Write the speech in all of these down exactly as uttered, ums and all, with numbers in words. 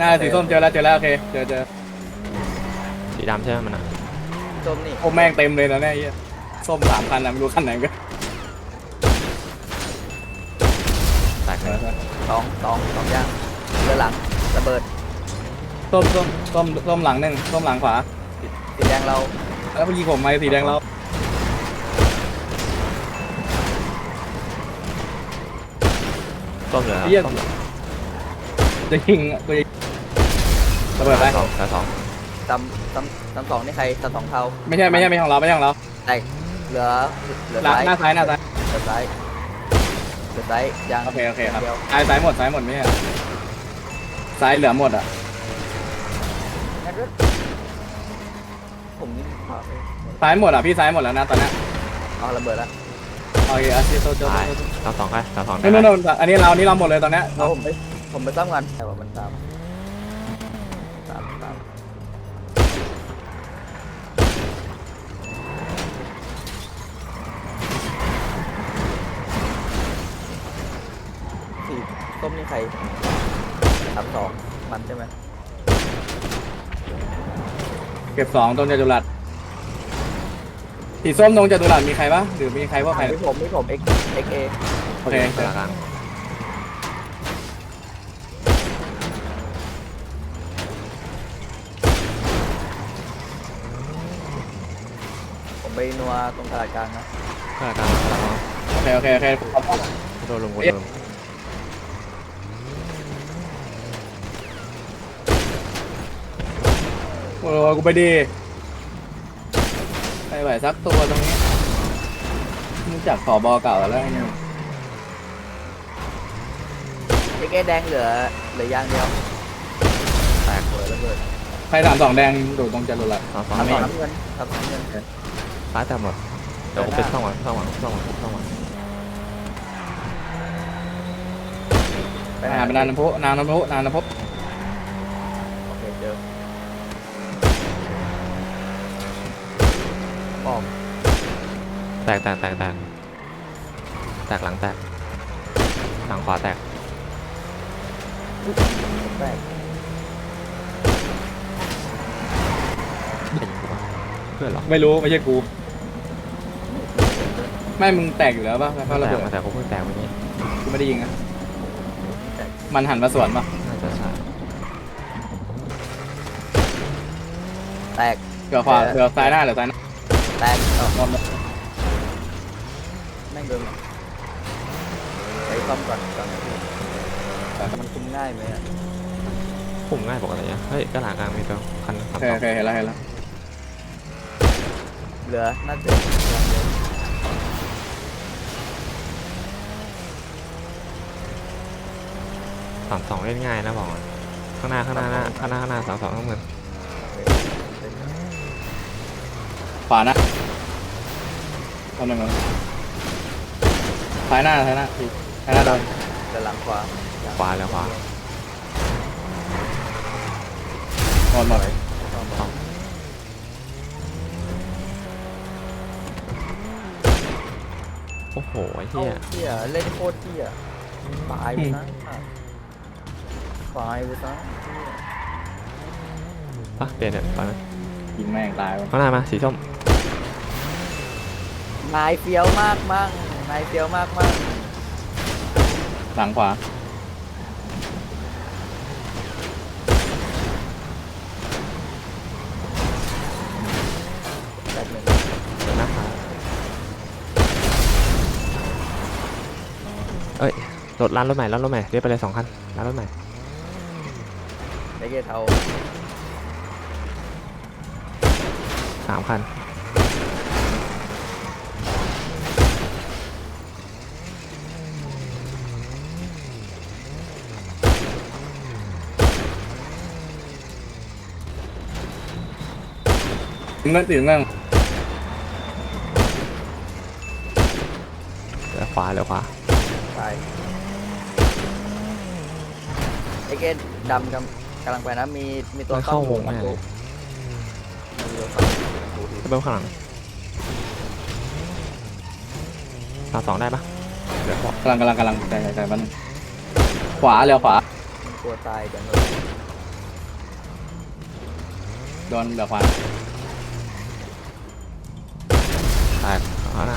น่าสีส้มเจอแล้วเจอแล้วโอเคเจอเจอสีดำใช่ไหมมันอ่ะส้มนี่โอ้แม่งเต็มเลยนะเนี่ยไอ้เหี้ยส้มสามคันนะไม่รู้คันไหนกันแตกเลยสองสองสองย่างเรือหลังระเบิดส้มส้มส้มส้มหลังหนึ่งส้มหลังขวาสีแดงเราแล้วเมื่อกี้ผมมาสีแดงเราต้มเหลือไอ้เหี้ยต้มเหลือจะยิงกูจะระเบิดไปสองแต่สองตำตำตำสองนี่ใครตำสองเทาไม่ใช่ไม่ใช่ไม่ใช่ของเราไม่ใช่ของเราแตกเหลือเหลือหลังซ้ายหน้าซ้ายหน้าซ้ายเหลือซ้ายเหลือซ้ายยางโอเคโอเคครับดียวซ้ายซ้ายหมดซ้ายหมดไม่ใช่เหรอซ้ายเหลือหมดอ่ะงั้นด้วยผมนี่ขวาไปซ้ายหมดอ่ะพี่ซ้ายหมดแล้วนะตอนนี้เอาระเบิดแล้วโอเคอาชีพโตโตตายเราสองไปเราสองโน่นโน่นอันนี้เราอันนี้เราหมดเลยตอนนี้เอาผมไปผมไปซ่อมกันแต่ว่ามันตามตามตามสีส้มนี่ใครสามสองมันใช่ไหมเก็บสองตรงจตุรัสสีส้มตรงจตุรัสมีใครปะหรือมีใครว่าใครไม่ผมไม่ผม x x a โอเคกลางกลางผมไปนัวตรงตลาดกลางนะกลางกลางกลางโอเคโอเคโอเคโดนลงโดนลงโอ้กูไปดีไปไหวสักตัวตรงนี้รู้จักขอบอเก่าแล้วไอ้นี่ x a แดงเหลือเหลือยางเดียวแตกเปิดระเบิดใครถามสองแดงดูตรงจตุรัสสองสองทำสไม่องน้ำเงินทำสองน้ำเงินซ้ายแต่หมดเดี๋ยวผมเป็นช่องหวังช่องหวังช่องหวังช่องหวังไปหาเป็นนางน้ำพุนางน้ำพุนางน้ำพุโอเคเจอป้อมแตกแตกแตกแตกแตกหลังแตกหลังขวาแตกแตกเป็นกูปะเพื่อนเหรอไม่รู้ไม่ใช่กูไม่มึงแตกอยู่แล้วป่ะแล้วก็ระแตเบิกดมาแต่กูเพิ่งแตกวันนี้กูไม่ได้ยิงอ่ะมันหันมาสวนป่ะน่าจะใช่แตกเหลือขวาเหลือซ้ายหน้าเหลือซ้ายหน้าแตกเอ้าหมดหมดแม่งเดินไปซ่อมก่อนก่อนมันคุมง่ายไหมอ่ะปุ่มง่ายปกติอะเฮ้ยกระหล่างกลางมีตัวคันโอสามเคสอโอง เคเห็นแล้วเห็นแล้วเหลือน่าจะยางเดียวสามสองเล่นง่ายนะบอกก่อนข้างหน้าข้างหน้าหน้าข้างหน้าข้างหน้าสามสองต้องเงินขวานะตอนหนึ่งก่อนซ้ายหน้าซ้ายหน้าพี่ซ้ายหน้าโดนเหลือหลังขวาขวาแล้วขวาหมดหมดซ่อมสองโอ้โหไอ้เอ้าเหี้ยเที่ยเล่นโคตรเที่ยตายไปซะตายไปซะปะเปลี่ยนเนี่ยไปไหมยิงแม่งตายว่ะข้างหน้ามาสีส้มนายเฟี้ยวมากมั่งนายเฟี้ยวมากมั่งหลังขวาแบบหนึ่งเดี๋ยวนะคะเอ้ยรถร้านรถใหม่ร้านรถใหม่เรียกไปเลยสองคันร้านรถใหม่ไอ้เกตเทาสามคันถึงเงินถึงเงินเหลือขวาเหลือขวาตายไอ้เกตดำกำกำลังไปนะมีมีตัวไม่เข้าวงมาแม่ตัเลวย มีตัวเข้าประตูทีเบิ้มข้างหลังสามสองได้ปะเหลือขวากำลังกำลังกำลังใจใจใจมันขวาเร็วขวามีตัวตายกันเลยดนเหลือขวาแตกขวาหน้า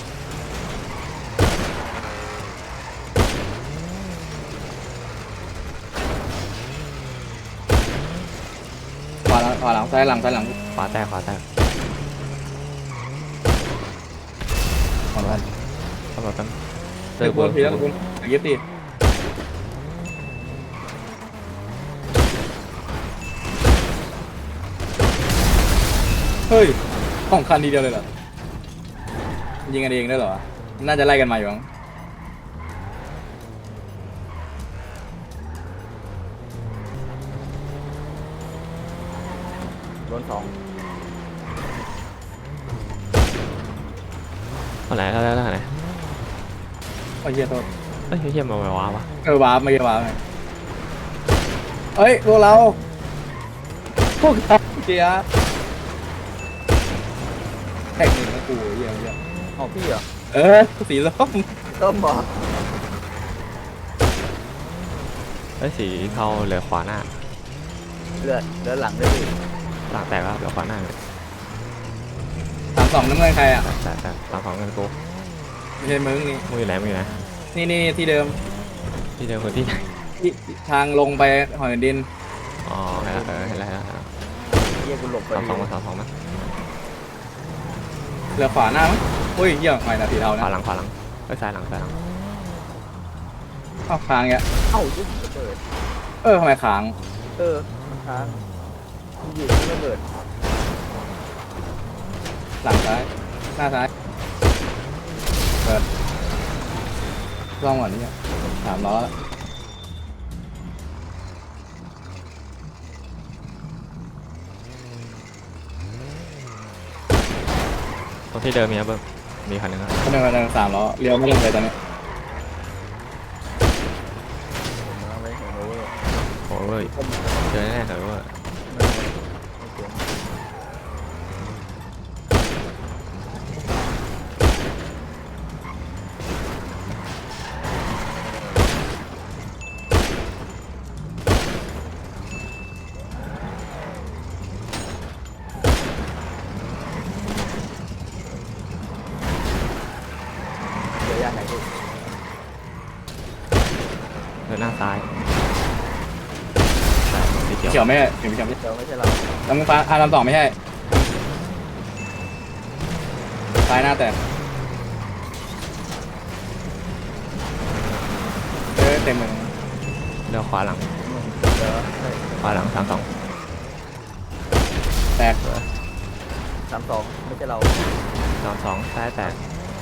ขวาหลังขวาหลังซ้ายหลังซ้ายหลังขวาแตกขวาแตกขวาหลังตำรวจกันเจอคุณทีแล้วคุณเย็บดิเฮ้ยของคันทีเดียวเลยเหรอยิงกันเองได้เหรอน่าจะไล่กันมาอยู่มั้งโดนสองตอนไหนแล้วแล้วแล้วไหนโอ้ยเฮียโทษเอ้ยเฮียมาไว้ว้าวะเออวาร์ปไม่ใช่วาร์ปไงเอ้ยพวกเราพวกเราเจียแท็กหนึ่งนะกูเฮียเฮียอ๋อพี่เหรอเออสีส้มต้มบอกเอ้ยสีเทาเหลือขวาหน้าเลือดเลือดหลังด้วยพี่หลังแตกแล้วเหลือขวาหน้าสามสองน้ำเงินใครอ่ะแตกแตกหลังสองเงินกูไม่ใช่มึงนี่มึงอยู่ไหนมึงอยู่ไหนนี่นี่ที่เดิมที่เดิมคนที่ไหนที่ทางลงไปหอยดินอ๋อเห็นแล้วเออเห็นแล้วเห็นแล้วเฮียกูหลบไปสองสองมาสองสองมาเหลือขวาหน้ามั้งอุ้ยเหี้ยไม่นะสีเทาขนะวาหลังขวาหลังเอ้ยซ้ายหลังซ้ายหลังอ้าวค้างเงี้ยเอ้ายุบระเบิดเออทำไมค้างเออมันค้างมันอยู่ที่ระเบิดหลังซ้ายหน้าซ้ายเปิดลองก่อนนี่สามล้อแล้วตรงที่เดิมมีนะเบิ้มมีคันหนึงอะก็หนึ่งกับหนึ่งสามล้อเลี้ยวไม่ลงเลยตอนนี้ผมเอาไว้เห็นโอเวอร์โอ้เว้ยเจอแน่ๆเลยว่าไม่ไม่ไม่เกิน เดี๋ยวยากไหนพี่เดินหน้าซ้ายซ้ายสีเขียวเขียวไม่ใช่เขียวไม่ใช่เดี๋ยวไม่ใช่เราลำฟ้าอ่าลำสองไม่ใช่ซ้ายหน้าแตกเออเต็มเลยเลี้ยวขวาหลังเดี๋ยวให้ขวาหลังสามสองแตกสามสองไม่ใช่เราสามสองซ้ายแตก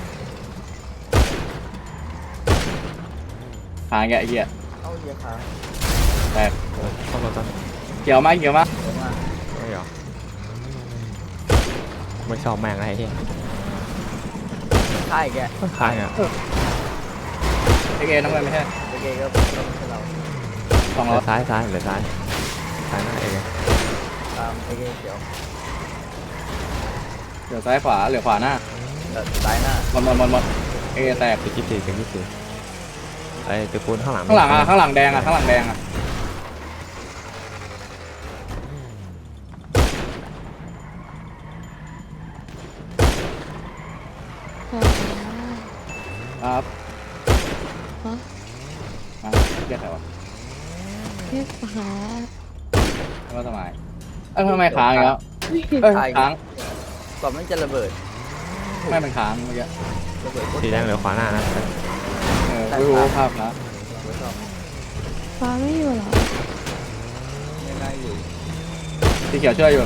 ค้างแกไอ้เหี้ยเอ้าเฮียค้างแตกเออเข้ารถก่อนเขียวมากเขียวมากเดี๋ยวมาไม่หรอไม่ชอบแม่งอะไรเฮียค่ายแกค้างอ่ะไอเกน้ำเงินไม่ใช่โอเคก็ไม่ใช่เราสองเหล้ลืออซ้ายซ้ายเหลือซ้ายซ้ายหน้าเองตามโอเคเขียวเหลือซ้ายขวาเหลือขวาหน้าเดี๋ยวซ้ายหน้าหมดหมดหมดหมดไอเกแตกตึกยี่สิบสี่ตึกยี่สิบสี่ไอ้ตึกปูนข้างหลังข้างหลังอ่ะข้างหลังแดงอ่ะข้างหลังแดงอ่ะครับฮะมาเรียกใครวะเรียกหาแล้วก็ทำไมเอ้ยทำไมค้างอีกแล้วเอ้ยค้างก่อนมันจะระเบิดไม่เป็นค้างเมื่อกี้ระเบิดโคตรสีแดงเหลือขวาหน้านะเออไม่รู้ภาพนะไม่ชอบฟ้าไม่อยู่เหรอง่ายๆอยู่สีเขียวช่วยอยู่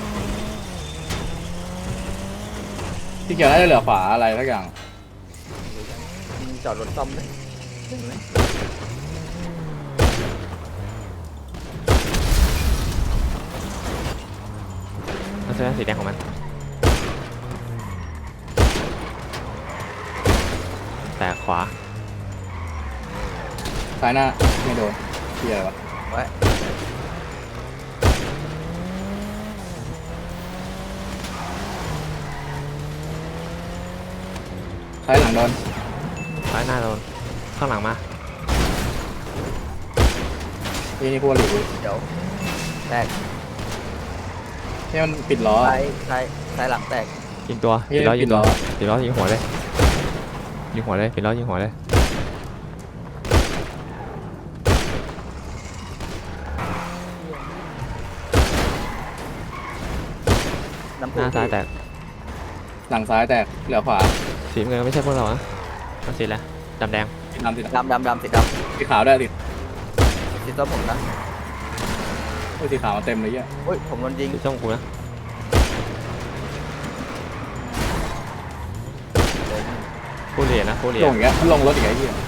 สีเขียวน่าจะเหลือขวาอะไรสักอย่างมีจอดรถซ่อมเลยเห็นไหมมันจะสีแดงของมันแตกขวาซ้ายหน้าไม่โดนที่อะไรวะไว้ซ้ายหลังโดนซ้ายหน้าโดนข้างหลังมาที่นี่พวกหรือเดี๋ยวแตกที่มันปิดล้อซ้ายซ้ายซ้ายหลังแตกยิงตัวเฮ้ยปิดล้อยิงตัวปิดล้อปิดล้อยิงหัวเลยยิงหัวเลยปิดล้อยิงหัวเลยน้ำหพุน้าซ้ายแตกหลังซ้ายแตกเหลือขวาสีน้ำเงินไม่ใช่พวกเราอะมันสีอะไรดำแดงสีดำสีดดำดำดำสีดำสีขาวได้วยสีำสีส้มผมนะโอ้ยสีขาวเต็มเลยเหี้ยอุ้ยผมโดนยิงสีส้มกูนะ ผู้เหรียญนะผู้เหรียลญงอย่างเงี้ยลงรถอย่างเงี้ยเหี้ย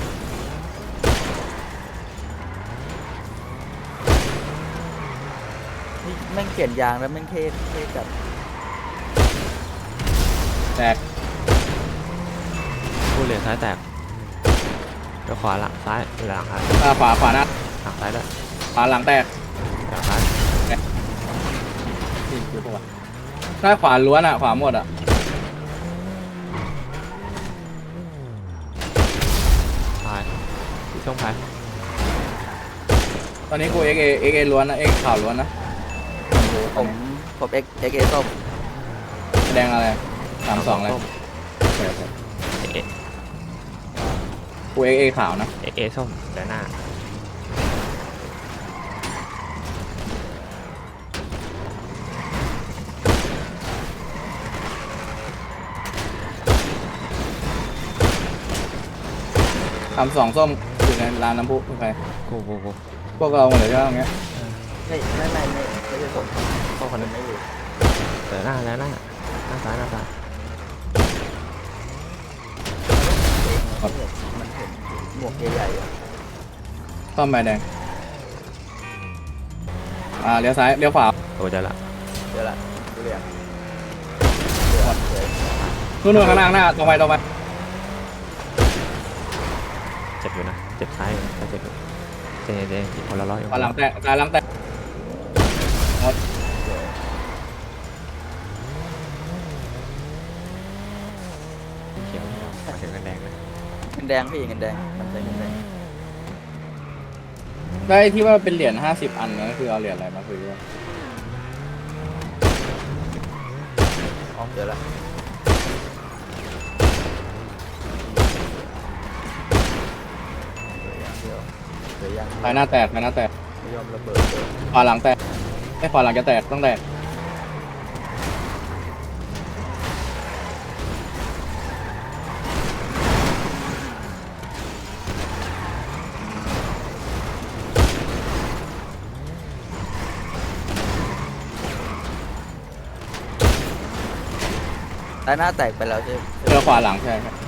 นี่แม่งเปลี่ยนยางแล้วแม่งเท่เท่จัดแตกผู้เหรียญซ้ายแตกแล้วขวาหลังซ้ายหลังซ้ายอ่าขวาขวาหน้าหลังซ้ายด้วยขวาหลังแตกหลังซ้ายนี่คือปะวะหน้าขวาล้วนอ่ะขวาหมดอ่ะซ้ายสีส้มซ้ายตอนนี้กูเอ็กเอเอ็กเอล้วนนะเอ็กขาวล้วนนะผมผมเอ็กเอ็กเอส้มแสดงอะไรสามสองอะไรส้มโอเคโอเคเอเอกูเอ็กเอขาวนะเอเอส้มแต่หน้าสามสองส้มอยู่ในร้านน้ำพุโอเคกูกูกูพวกเราหมดเลยใช่ไหมตรงเงี้ยไม่ไม่ไม่ไม่ไม่ใช่ผมพวกคนนึงไม่อยู่แต่หน้าแล้วหน้าหน้าซ้ายหน้าซ้ายมันเห็นหมวกใหญ่ๆอะส้มใบแดงอ่าเลี้ยวซ้ายเลี้ยวขวาโอ้เจอละเดี๋ยวละดูเรียงเดี๋ยวเดี๋ยวนู่นนู่นข้างหน้าข้างหน้าตรงไปตรงไปเจ็บอยู่นะเจ็บซ้ายก็เจ็บอยู่เจเจอีกคนละร้อยอยู่ขวาหลังแตกซ้ายหลังแตกเขียวมาถึงกันแดงเลยเงินแดงพี่เงินแดงมันเป็นเงินแดงได้ที่ว่าเป็นเหรียญห้าสิบอันนั่นคือเอาเหรียญอะไรมาคุยด้วยอ๋อเดี๋ยวละเดี๋ยวเดี๋ยวยังซ้ายหน้าแตกซ้ายหน้าแตกไม่ยอมระเบิดเลยขวาหลังแตกไม่ขวาหลังจะแตกต้องแตกซ้ายหน้าแตกไปแล้วใช่ไหมเจอขวาหลังใช่ครับ